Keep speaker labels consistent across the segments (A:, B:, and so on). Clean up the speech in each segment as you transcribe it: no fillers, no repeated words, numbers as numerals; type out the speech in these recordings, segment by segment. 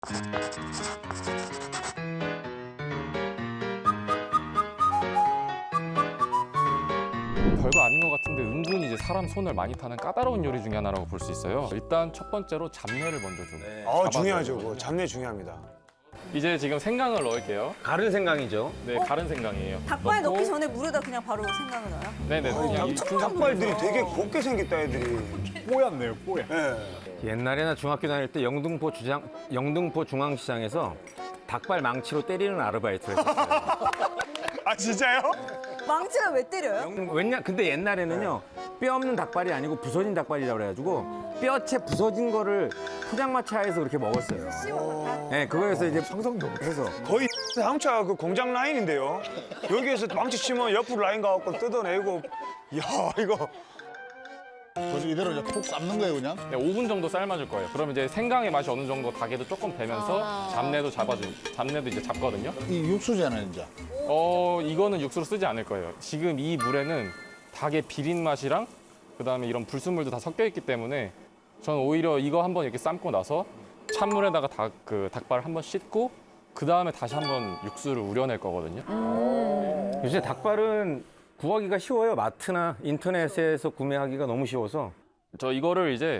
A: 별거 아닌 것 같은데 은근히 이제 사람 손을 많이 타는 까다로운 요리 중에 하나라고 볼 수 있어요. 일단 첫 번째로 잡내를 먼저 좀 잡아줘야
B: 중요하죠.
A: 되거든요.
B: 그거. 잡내 중요합니다.
A: 이제 지금 생강을 넣을게요.
C: 가른 생강이죠.
A: 네, 가른 생강이에요.
D: 닭발
A: 넣고,
D: 넣기 전에 물에다 그냥 바로 생강을 넣어요?
A: 네네. 그냥 이
B: 닭발들이 되게 곱게 생겼다, 애들이.
E: 뽀얗네요, 뽀얗.
B: 예.
C: 옛날에 나 중학교 다닐 때 영등포 중앙시장에서 닭발 망치로 때리는 아르바이트를 했었어요.
B: 아, 진짜요?
D: 망치를 왜 때려요?
C: 근데 옛날에는요, 뼈 없는 닭발이 아니고 부서진 닭발이라고 그래가지고 뼈채 부서진 거를 포장마차에서 그렇게 먹었어요. 네, 그거에서 이제 상상도 못해서.
B: 거의 자동차 그 공장 라인인데요. 여기에서 망치 치면 옆으로 라인 가갖고 뜯어내고. 이야, 이거.
F: 그래서 이대로 이제 푹 삶는 거예요, 그냥?
A: 네, 5분 정도 삶아줄 거예요. 그러면 이제 생강의 맛이 어느 정도 닭에도 조금 배면서 잡내도 이제 잡거든요.
F: 이 육수잖아요, 이제.
A: 이거는 육수로 쓰지 않을 거예요. 지금 이 물에는 닭의 비린 맛이랑 그다음에 이런 불순물도 다 섞여 있기 때문에 저는 오히려 이거 한번 이렇게 삶고 나서 찬물에다가 닭발 한번 씻고 그다음에 다시 한번 육수를 우려낼 거거든요.
C: 요새 닭발은 구하기가 쉬워요. 마트나 인터넷에서 구매하기가 너무 쉬워서.
A: 저 이거를 이제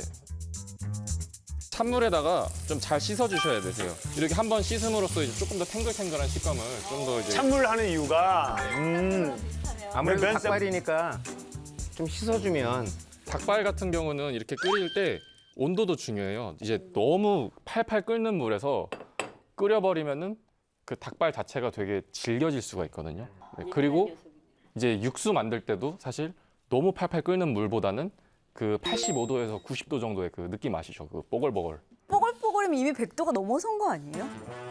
A: 찬물에다가 좀 잘 씻어 주셔야 되세요. 이렇게 한번 씻음으로써 이제 조금 더 탱글탱글한 식감을 좀 더 이제
B: 찬물 하는 이유가,
C: 아무래도
B: 면
C: 닭발이니까 좀 씻어주면.
A: 닭발 같은 경우는 이렇게 끓일 때 온도도 중요해요. 이제 너무 팔팔 끓는 물에서 끓여버리면은 그 닭발 자체가 되게 질겨질 수가 있거든요. 네, 그리고 이제 육수 만들 때도 사실 너무 팔팔 끓는 물보다는 그 85도에서 90도 정도의 그 느낌 아시죠? 그 뽀글뽀글.
D: 뽀글뽀글이면 이미 100도가 넘어선 거 아니에요?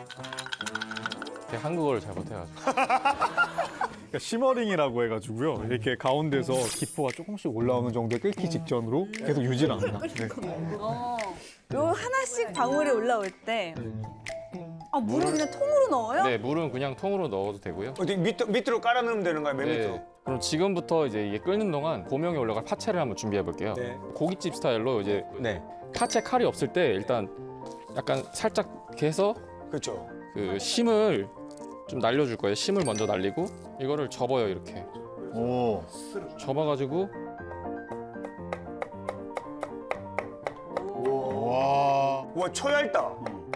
A: 제가 한국어를 잘 못해가지고.
E: 그러니까 시머링이라고 해가지고요. 이렇게 가운데서 기포가 조금씩 올라오는 정도에 끓기 직전으로 계속 유지를 합니다. 네.
D: 요 하나씩 방울이 올라올 때 물을 그냥 통으로 넣어요?
A: 네, 물은 그냥 통으로 넣어도 되고요.
B: 어디 밑으로 깔아 넣으면 되는 거야, 맨 밑으로.
A: 네. 그럼 지금부터 이제 이게 끓는 동안 고명에 올라갈 파채를 한번 준비해 볼게요.
B: 네.
A: 고깃집 스타일로 이제
C: 네.
A: 파채 칼이 없을 때 일단 약간 살짝 이렇게 해서
B: 그렇죠.
A: 그 심을 좀 날려줄 거예요. 심을 먼저 날리고 이거를 접어요, 이렇게.
F: 오.
A: 접어가지고
F: 와.
B: 와, 얇다.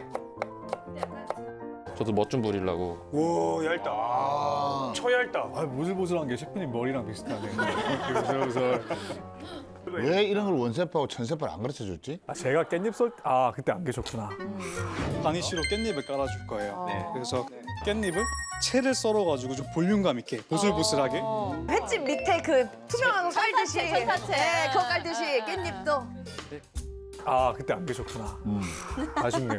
A: 저도 멋 좀 부리려고.
B: 와, 얇다. 얇다.
E: 아, 보슬보슬한 게 셰프님 머리랑 비슷하네요. 그래서
F: 왜 이런 걸 원세파하고 천세파를 안 가르쳐 줬지?
E: 제가 깻잎 그때 안 계셨구나.
G: 가니쉬로 깻잎을 깔아줄 거예요. 그래서 깻잎을 채를 썰어가지고 좀 볼륨감 있게 보슬보슬하게.
H: 횟집 밑에 그 투명한 거 깔듯이 네, 그거 깔듯이 깻잎도
E: 그때 안 계셨구나. 아쉽네요.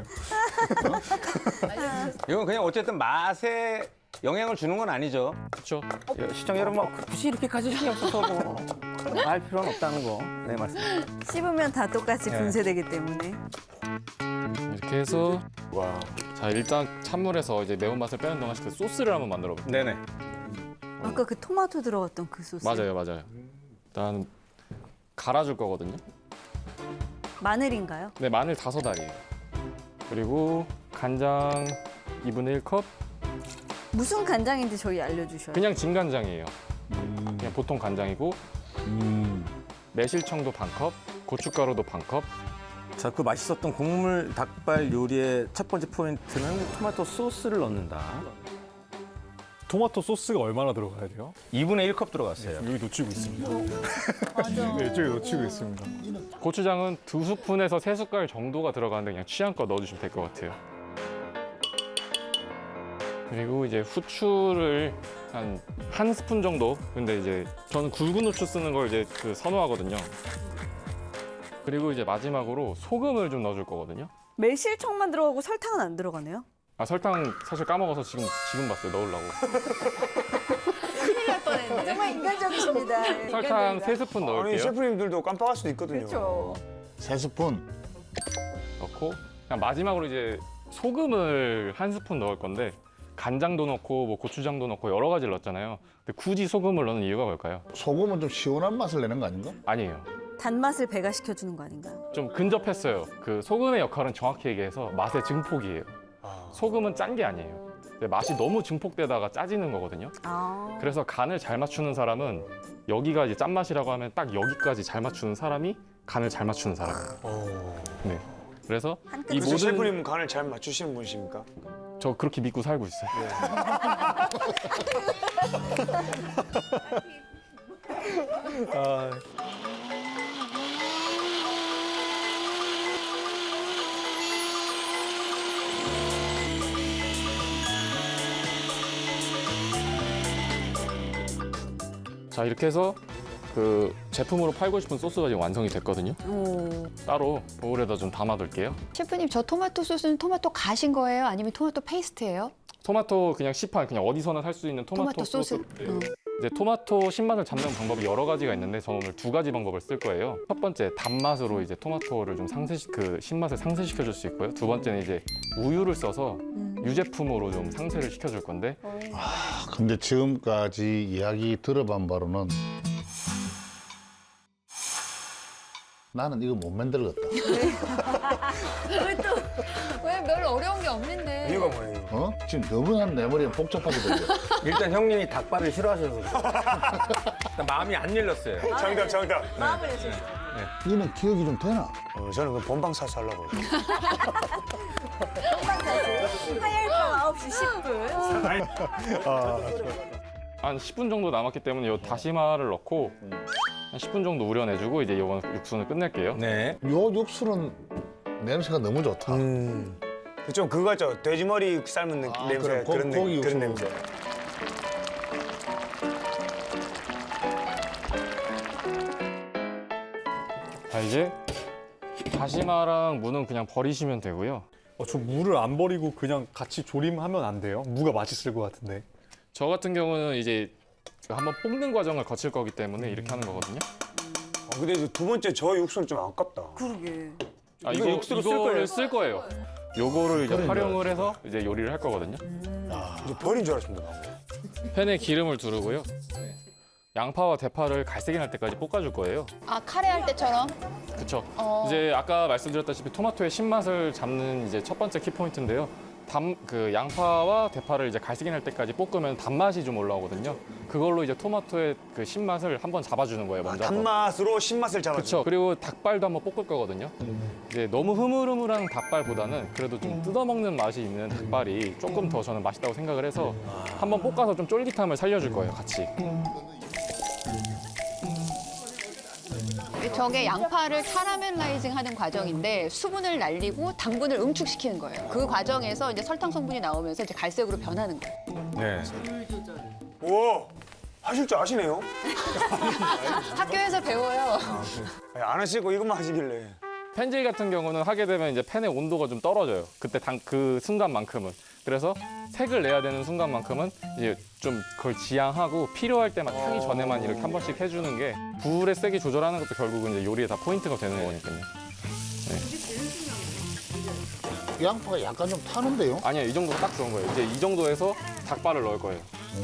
C: 이건 그냥 어쨌든 맛에 영향을 주는 건 아니죠.
A: 그렇죠?
C: 시청자 여러분, 굳이 이렇게까지 신경 써서 알 필요는 없다는 거. 네, 맞습니다.
D: 씹으면 다 똑같이 분쇄되기 때문에.
A: 이렇게 해서 자, 일단 찬물에서 이제 매운맛을 빼는 동안 그 소스를 한번 만들어 볼게요.
C: 네네.
D: 아까 그 토마토 들어갔던 그 소스.
A: 맞아요. 일단 갈아줄 거거든요.
D: 마늘인가요?
A: 네, 마늘 5알이에요. 그리고 간장 2분의 1컵.
D: 무슨 간장인지 저희 알려주셔요.
A: 그냥 진간장이에요. 그냥 보통 간장이고 매실청도 반컵, 고춧가루도 반컵.
C: 자, 그 맛있었던 국물 닭발 요리의 첫 번째 포인트는 토마토 소스를 넣는다.
E: 토마토 소스가 얼마나 들어가야 돼요?
C: 2분의 1컵 들어갔어요.
E: 여기 놓치고 있습니다. 맞아. 네, 이쪽에 놓치고 있습니다.
A: 고추장은 2스푼에서 3숟갈 정도가 들어가는데 그냥 취향껏 넣어주시면 될 것 같아요. 그리고 이제 후추를 한 스푼 정도. 근데 이제 저는 굵은 후추 쓰는 걸 이제 선호하거든요. 그리고 이제 마지막으로 소금을 좀 넣어줄 거거든요.
D: 매실청만 들어가고 설탕은 안 들어가네요?
A: 설탕 사실 까먹어서 지금 봤어요. 넣으려고.
D: 큰일 날 뻔했네. 정말 인간적이십니다.
A: 설탕 3스푼
B: 아니,
A: 넣을게요.
B: 셰프님들도 깜빡할 수도 있거든요.
D: 그렇죠.
F: 3스푼.
A: 넣고 그냥 마지막으로 이제 소금을 1스푼 넣을 건데 간장도 넣고 뭐 고추장도 넣고 여러 가지를 넣었잖아요. 근데 굳이 소금을 넣는 이유가 뭘까요?
F: 소금은 좀 시원한 맛을 내는 거 아닌가?
A: 아니에요.
D: 단맛을 배가시켜 주는 거 아닌가요?
A: 좀 근접했어요. 그 소금의 역할은 정확히 얘기해서 맛의 증폭이에요. 소금은 짠 게 아니에요. 근데 맛이 너무 증폭되다가 짜지는 거거든요.
D: 아.
A: 그래서 간을 잘 맞추는 사람은 여기가 이제 짠맛이라고 하면 딱 여기까지 잘 맞추는 사람이 간을 잘 맞추는 사람이에요. 네. 그래서
D: 한
A: 이
D: 끗.
B: 그래서
A: 모든
B: 셰프님 간을 잘 맞추시는 분이십니까?
A: 저 그렇게 믿고 살고 있어요. 자, 이렇게 해서 그 제품으로 팔고 싶은 소스가 지금 완성이 됐거든요.
D: 오.
A: 따로 보울에다 좀 담아둘게요.
H: 셰프님 저 토마토 소스는 토마토 가신 거예요? 아니면 토마토 페이스트예요?
A: 토마토 그냥 시판 그냥 어디서나 살 수 있는 토마토 소스. 이제 토마토 신맛을 잡는 방법이 여러 가지가 있는데 저는 오늘 두 가지 방법을 쓸 거예요. 첫 번째 단맛으로 이제 토마토를 좀 그 신맛을 상쇄시켜 줄 수 있고요. 두 번째는 이제 우유를 써서 유제품으로 좀 상쇄를 시켜줄 건데
F: 근데 지금까지 이야기 들어본 바로는 나는 이거 못 만들겠다.
D: 왜 또?
H: 왜 별로 어려운 게 없는데.
B: 이유가 뭐예요?
F: 어? 지금 너무 내 머리에 복잡하게 들려.
C: 일단 형님이 닭발을 싫어하셔서 그래요. 일단 마음이 안 열렸어요.
B: 정답.
D: 마음을 내세요.
F: 이거는 기억이 좀 되나?
B: 저는 그 본방사수 하려고.
D: 화요일 밤 9시 10분.
A: 한 10분 정도 남았기 때문에 이 다시마를 넣고 한 10분 정도 우려내주고 이제 이번 육수는 끝낼게요.
C: 네.
F: 요 육수는 냄새가 너무 좋다.
B: 좀 그거 같죠? 돼지머리 삶은 냄새
F: 그래,
B: 그런
F: 고기
B: 그런
F: 육수.
B: 냄새.
A: 자, 이제 다시마랑 무는 그냥 버리시면 되고요.
E: 저 무를 안 버리고 그냥 같이 조림하면 안 돼요? 무가 맛있을 것 같은데.
A: 저 같은 경우는 이제 한번 볶는 과정을 거칠 거기 때문에 이렇게 하는 거거든요.
B: 근데 이제 두 번째 저 육수는 좀 아깝다.
D: 그러게.
A: 아,
B: 이거 육수로 쓸 거예요?
A: 이거를 쓸 거예요. 요거를 이제 활용을 해서 이제 요리를 할 거거든요.
B: 이제 버린 줄 알았습니다. 방금.
A: 팬에 기름을 두르고요. 양파와 대파를 갈색이 날 때까지 볶아줄 거예요.
H: 아 카레 할 때처럼?
A: 그렇죠.
H: 어.
A: 이제 아까 말씀드렸다시피 토마토의 신맛을 잡는 이제 첫 번째 키포인트인데요. 그 양파와 대파를 이제 갈색이 날 때까지 볶으면 단맛이 좀 올라오거든요. 그걸로 이제 토마토의 그 신맛을 한번 잡아주는 거예요. 먼저. 한번.
B: 단맛으로 신맛을 잡아줘.
A: 그렇죠. 그리고 닭발도 한번 볶을 거거든요. 이제 너무 흐물흐물한 닭발보다는 그래도 좀 뜯어먹는 맛이 있는 닭발이 조금 더 저는 맛있다고 생각을 해서 한번 볶아서 좀 쫄깃함을 살려줄 거예요, 같이.
H: 저게 양파를 카라멜라이징 하는 과정인데 수분을 날리고 당분을 응축시키는 거예요. 그 과정에서 이제 설탕 성분이 나오면서 이제 갈색으로 변하는 거예요.
C: 네.
B: 우와, 하실 줄 아시네요?
H: 학교에서 배워요.
B: 안 하시고 이것만 하시길래.
A: 펜질 같은 경우는 하게 되면 이제 팬의 온도가 좀 떨어져요. 그때 그 순간만큼은. 그래서 색을 내야 되는 순간만큼은 이제 좀 그걸 지양하고 필요할 때만 타기 전에만 이렇게 한 번씩 해주는 게 불의 세기 조절하는 것도 결국은 이제 요리에 다 포인트가 되는 거니까요.
F: 양파가 약간 좀 타는데요?
A: 아니요, 이 정도 딱 좋은 거예요. 이제 이 정도에서 닭발을 넣을 거예요.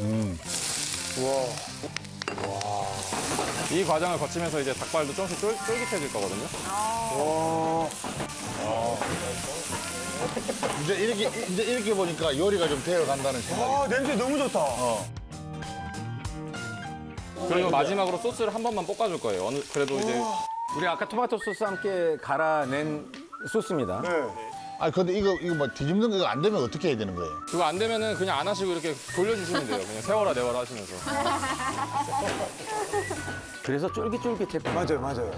A: 이 과정을 거치면서 이제 닭발도 조금씩 쫄깃해질 거거든요.
F: 이제 이렇게 보니까 요리가 좀 되어 간다는 생각이.
B: 아, 냄새 너무 좋다.
A: 그리고 마지막으로 소스를 한 번만 볶아줄 거예요. 그래도 이제
C: 우리 아까 토마토 소스 함께 갈아낸 소스입니다.
B: 네.
F: 아니 근데 이거 뭐 뒤집는 거 이거 안 되면 어떻게 해야 되는 거예요?
A: 그거 안 되면은 그냥 안 하시고 이렇게 돌려주시면 돼요. 그냥 세워라 내워라 하시면서.
C: 그래서 쫄깃쫄깃해.
B: 맞아요.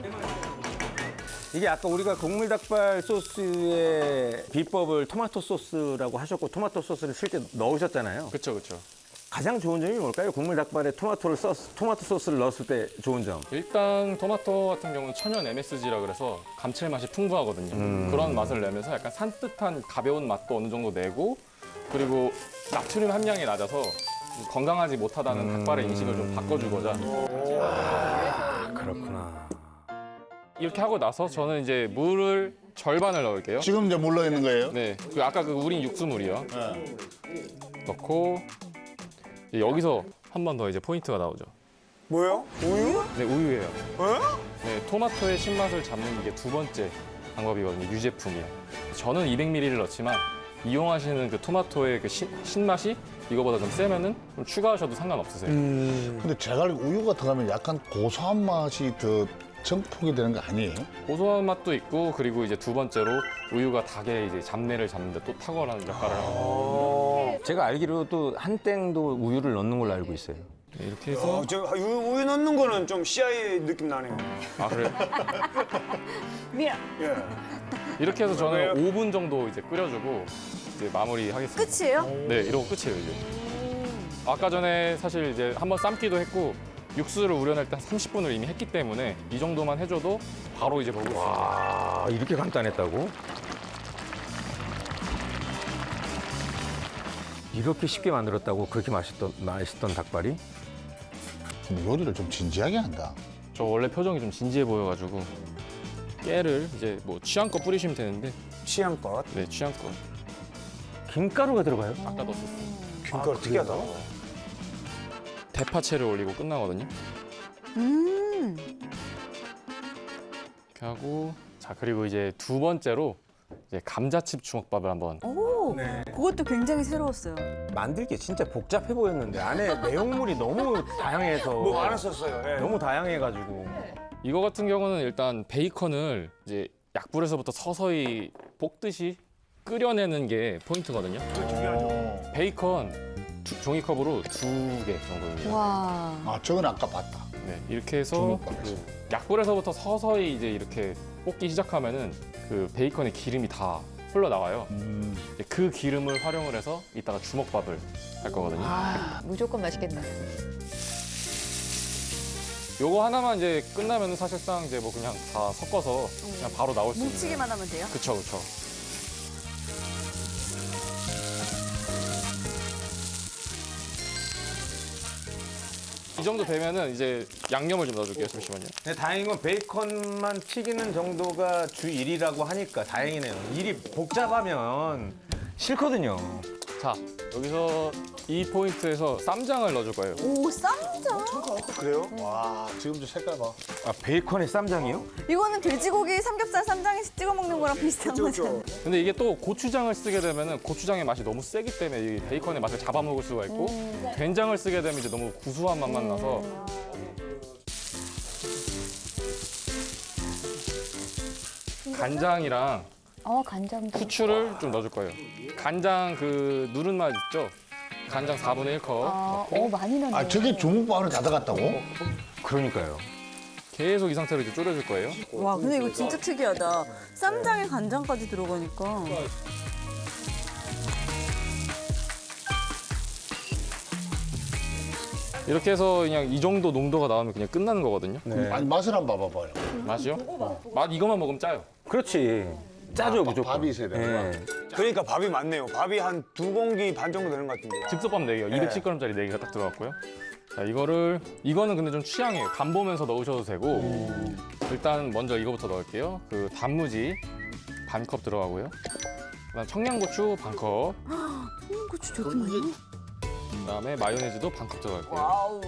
C: 이게 아까 우리가 국물 닭발 소스의 비법을 토마토 소스라고 하셨고 토마토 소스를 실제 넣으셨잖아요.
A: 그렇죠, 그렇죠.
C: 가장 좋은 점이 뭘까요? 국물 닭발에 토마토 소스를 넣었을 때 좋은 점.
A: 일단 토마토 같은 경우는 천연 MSG라 그래서 감칠맛이 풍부하거든요. 그런 맛을 내면서 약간 산뜻한 가벼운 맛도 어느 정도 내고 그리고 나트륨 함량이 낮아서 건강하지 못하다는 닭발의 인식을 좀 바꿔주고자
C: 그렇구나.
A: 이렇게 하고 나서 저는 이제 물을 절반을 넣을게요.
F: 지금 이제 물러 있는 거예요?
A: 네, 그 아까 그 우린 육수물이요. 넣고 이제 여기서 한 번 더 이제 포인트가 나오죠.
B: 뭐예요? 우유?
A: 네, 우유예요.
B: 어?
A: 네, 토마토의 신맛을 잡는 이게 두 번째 방법이거든요. 유제품이요. 저는 200ml를 넣지만 이용하시는 그 토마토의 그 신맛이 이거보다 좀 세면은 좀 추가하셔도 상관없으세요.
F: 근데 제가 알기로 우유가 들어가면 약간 고소한 맛이 더 증폭이 되는 거 아니에요?
A: 고소한 맛도 있고 그리고 이제 두 번째로 우유가 닭의 이제 잡내를 잡는데 또 탁월한 역할을 하고
C: 제가 알기로 또 한 땡도 우유를 넣는 걸로 알고 있어요.
A: 네, 이렇게 해서
B: 저 우유 넣는 거는 좀 CIA 느낌 나네요.
A: 아 그래요?
D: 미안.
B: 예.
A: 이렇게 해서 저는
B: 그래요?
A: 5분 정도 이제 끓여주고 이제 마무리하겠습니다.
D: 끝이에요?
A: 네, 이러고 끝이에요 이제. 아까 전에 사실 이제 한번 삶기도 했고 육수를 우려낼 때 한 30분을 이미 했기 때문에 이 정도만 해줘도 바로 이제 먹을 수 있어요.
C: 아, 이렇게 간단했다고? 이렇게 쉽게 만들었다고 그렇게 맛있던 닭발이?
F: 근데 요리를 좀 진지하게 한다.
A: 저 원래 표정이 좀 진지해 보여가지고 깨를 이제 뭐 취향껏 뿌리시면 되는데
B: 취향껏.
A: 네 취향껏
C: 김가루가 들어가요?
A: 아까 넣었었어요.
B: 그거 특이하다.
A: 대파채를 올리고 끝나거든요.
D: 음.
A: 이렇게 하고 자 그리고 이제 두 번째로 이제 감자칩 주먹밥을 한번
D: 오. 그것도 굉장히 새로웠어요.
C: 만들기 진짜 복잡해 보였는데 안에 내용물이 너무 다양해서
B: 뭐 많았었어요. 예.
C: 너무 다양해가지고
A: 이거 같은 경우는 일단 베이컨을 이제 약불에서부터 서서히 볶듯이 끓여내는 게 포인트거든요. 베이컨 종이컵으로 2개 정도입니다.
D: 와.
F: 아, 저건 아까 봤다.
A: 네, 이렇게 해서
F: 주먹밥에서.
A: 약불에서부터 서서히 이제 이렇게 볶기 시작하면은 그 베이컨의 기름이 다 흘러나와요. 이제 그 기름을 활용을 해서 이따가 주먹밥을 할 거거든요.
H: 아, 무조건 맛있겠네.
A: 요거 하나만 이제 끝나면은 사실상 이제 뭐 그냥 다 섞어서 그냥 바로 나올 수 있는.
D: 뭉치기만 하면 돼요?
A: 그쵸, 그쵸. 이 정도 되면은 이제 양념을 좀 넣어줄게요. 잠시만요.
C: 근데 다행인 건 베이컨만 튀기는 정도가 주 일이라고 하니까 다행이네요. 일이 복잡하면 싫거든요.
A: 자, 여기서 이 포인트에서 쌈장을 넣어줄 거예요.
D: 오, 쌈장.
B: 그래요?
F: 와, 지금 저 색깔 봐.
C: 아, 베이컨에 쌈장이요?
D: 이거는 돼지고기 삼겹살 쌈장에 찍어 먹는 거랑 비슷한 거죠.
A: 근데 이게 또 고추장을 쓰게 되면은 고추장의 맛이 너무 세기 때문에 이 베이컨의 맛을 잡아먹을 수가 있고 된장을 쓰게 되면 이제 너무 구수한 맛만 나서 간장이랑
H: 간장도.
A: 후추를 좀 넣어줄 거예요. 간장 그 누른 맛 있죠? 간장 4분의 1컵.
H: 많이 넣네.
F: 아, 저게 주먹밥으로 다 들어갔다고?
C: 그러니까요.
A: 계속 이 상태로 이제 졸여줄 거예요.
D: 와, 근데 이거 진짜 특이하다. 쌈장에 간장까지 들어가니까.
A: 이렇게 해서 그냥 이 정도 농도가 나오면 그냥 끝나는 거거든요.
F: 아니, 맛을 한번 봐봐봐요.
A: 맛이요? 맛 이것만 먹으면 짜요.
C: 그렇지. 짜죠, 무조건.
F: 밥이 있어야 되는
C: 예.
B: 그러니까 밥이 많네요. 밥이 한 2공기 반 정도 되는 것 같은데.
A: 즉석밥 4개요. 210g짜리 4개가 딱 들어갔고요. 자, 이거는 근데 좀 취향이에요. 간 보면서 넣으셔도 되고 일단 먼저 이거부터 넣을게요. 그 단무지 반 컵 들어가고요. 그다음 청양고추 반 컵.
D: 고추 저렇게 많이?
A: 그다음에 마요네즈도 반 컵 들어갈게요.
D: 와우.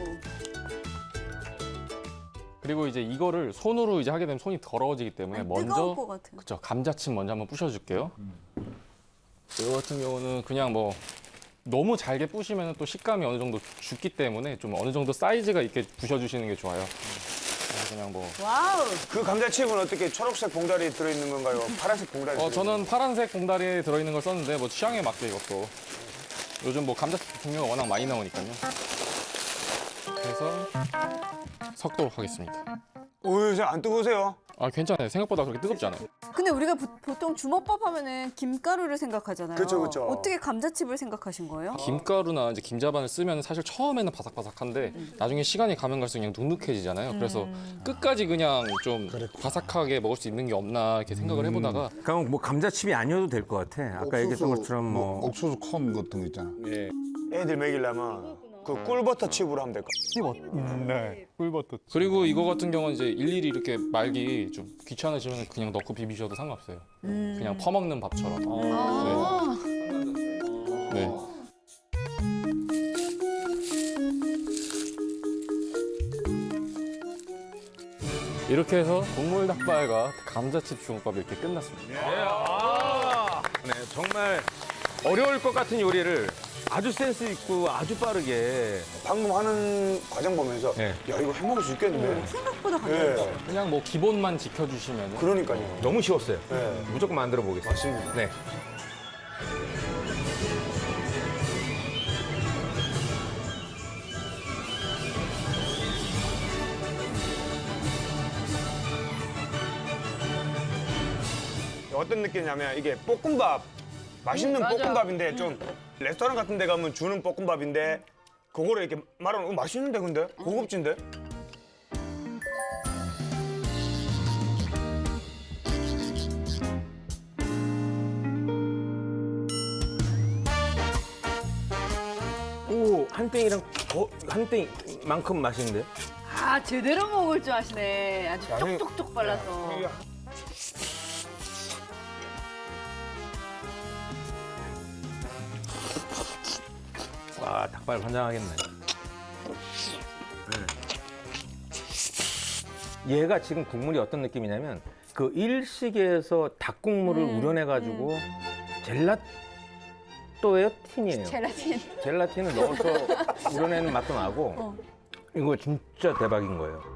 A: 그리고 이제 이거를 손으로 이제 하게 되면 손이 더러워지기 때문에
D: 뜨거울
A: 먼저
D: 것 같아요.
A: 그쵸 감자칩 먼저 한번 부셔줄게요. 이거 같은 경우는 그냥 뭐 너무 잘게 부시면 또 식감이 어느 정도 죽기 때문에 좀 어느 정도 사이즈가 있게 부셔주시는 게 좋아요. 그냥 뭐
D: 와우.
B: 그 감자칩은 어떻게 초록색 봉다리에 들어있는 건가요? 파란색 봉다리에 들어있는
A: 저는 파란색 봉다리에 들어있는 걸 썼는데 뭐 취향에 맞게 이것도 요즘 뭐 감자칩 종류가 워낙 많이 나오니까요. 그래서 섞도록 하겠습니다.
B: 오유, 안 뜨거우세요?
A: 아 괜찮아요. 생각보다 그렇게 뜨겁지 않아요.
D: 근데 우리가 보통 주먹밥 하면은 김가루를 생각하잖아요.
B: 그쵸, 그쵸.
D: 어떻게 감자칩을 생각하신 거예요?
A: 김가루나 이제 김자반을 쓰면 사실 처음에는 바삭바삭한데 나중에 시간이 가면 갈수록 그냥 눅눅해지잖아요. 그래서 끝까지 그냥 좀 바삭하게 먹을 수 있는 게 없나 이렇게 생각을 해보다가
C: 그럼 뭐 감자칩이 아니어도 될 것 같아. 아까 얘기했던 것처럼 뭐
F: 옥수수 콘 같은 거 있잖아.
B: 애들 먹이려면 그 꿀버터 칩으로 하면 될 것 같아요.
E: 네, 꿀버터.
A: 그리고 이거 같은 경우는 이제 일일이 이렇게 말기 좀 귀찮으시면 그냥 넣고 비비셔도 상관없어요. 그냥 퍼먹는 밥처럼.
H: 아,
A: 네. 이렇게 해서 국물 닭발과 감자칩 중국밥이 이렇게 끝났습니다.
C: 네, 정말 어려울 것 같은 요리를 아주 센스 있고 아주 빠르게.
B: 방금 하는 과정 보면서
C: 네.
B: 야 이거 해먹을 수 있겠는데?
D: 생각보다 간단하다.
B: 예.
A: 그냥 뭐 기본만 지켜주시면
B: 그러니까요.
C: 너무 쉬웠어요.
B: 네.
C: 무조건 만들어 보겠습니다.
B: 맞습니다.
C: 네.
B: 어떤 느낌이냐면 이게 볶음밥 맛있는
H: 맞아.
B: 볶음밥인데 좀 레스토랑 같은 데 가면 주는 볶음밥인데 그거를 이렇게 말하면 맛있는데 근데 고급진데
C: 오, 한 땡이랑 한 땡만큼 맛있는데?
D: 아 제대로 먹을 줄 아시네. 아주
B: 형-
D: 쪽쪽쪽 발라서.
C: 와, 닭발 환장하겠네. 얘가 지금 국물이 어떤 느낌이냐면 그 일식에서 닭국물을 우려내가지고 젤라또예요? 틴이에요?
H: 젤라틴.
C: 젤라틴을 넣어서 우려내는 맛도 나고 이거 진짜 대박인 거예요.